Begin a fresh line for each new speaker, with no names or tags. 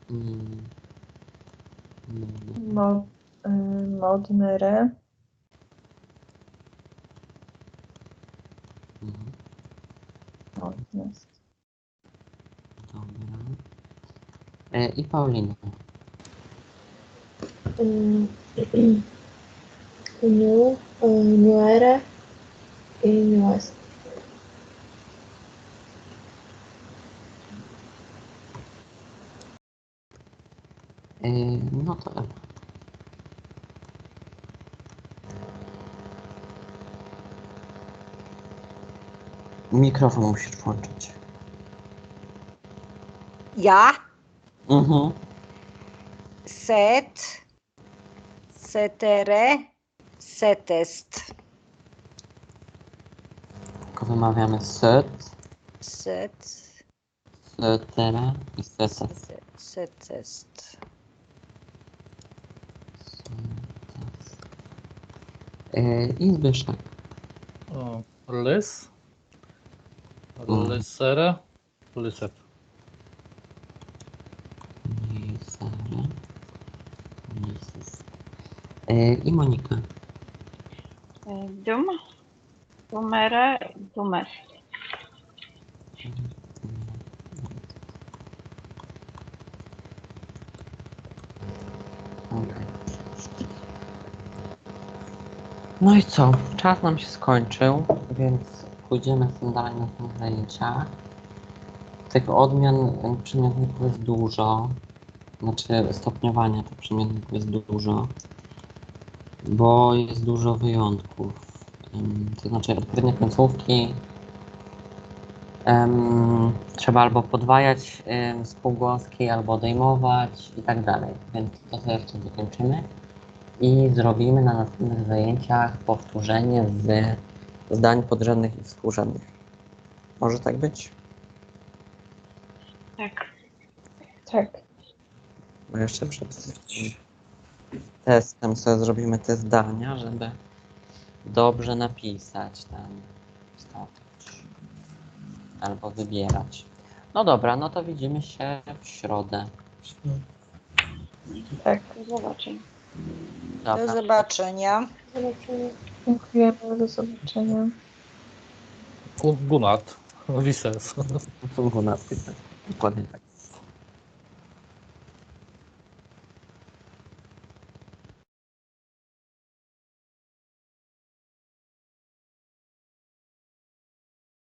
Mm,
Modmere. Modnest.
Dobra. I Paulina.
Nuere i Nuest.
No to Ewa. Mikrofon musisz włączyć.
Ja?
Mhm.
Set. Setere. Setest.
Tylko wymawiamy set,
Set.
setera i seses.
Setest.
I Zbyszek.
Lys. Lysere. Lyset.
Lisera. Lises. I Monika.
Dum. Dumere. Dumest.
Okay. No i co? Czas nam się skończył, więc pójdziemy sobie dalej na te zajęcia. Tych odmian przymiotników jest dużo. Znaczy stopniowania tych przymiotników jest dużo. Bo jest dużo wyjątków. To znaczy odpowiednie końcówki trzeba albo podwajać spółgłoski, albo odejmować i tak dalej. Więc to sobie jeszcze dokończymy i zrobimy na następnych zajęciach powtórzenie z zdań podrzędnych i współrzędnych. Może tak być?
Tak.
Tak.
Bo jeszcze przed tym testem sobie zrobimy te zdania, żeby dobrze napisać tam, wstawić albo wybierać. No dobra, no to widzimy się w środę.
Tak.
Do zobaczenia.
Dobra.
Do zobaczenia.
Dziękujemy. Do zobaczenia.
Gunat. Wises.
Dokładnie tak.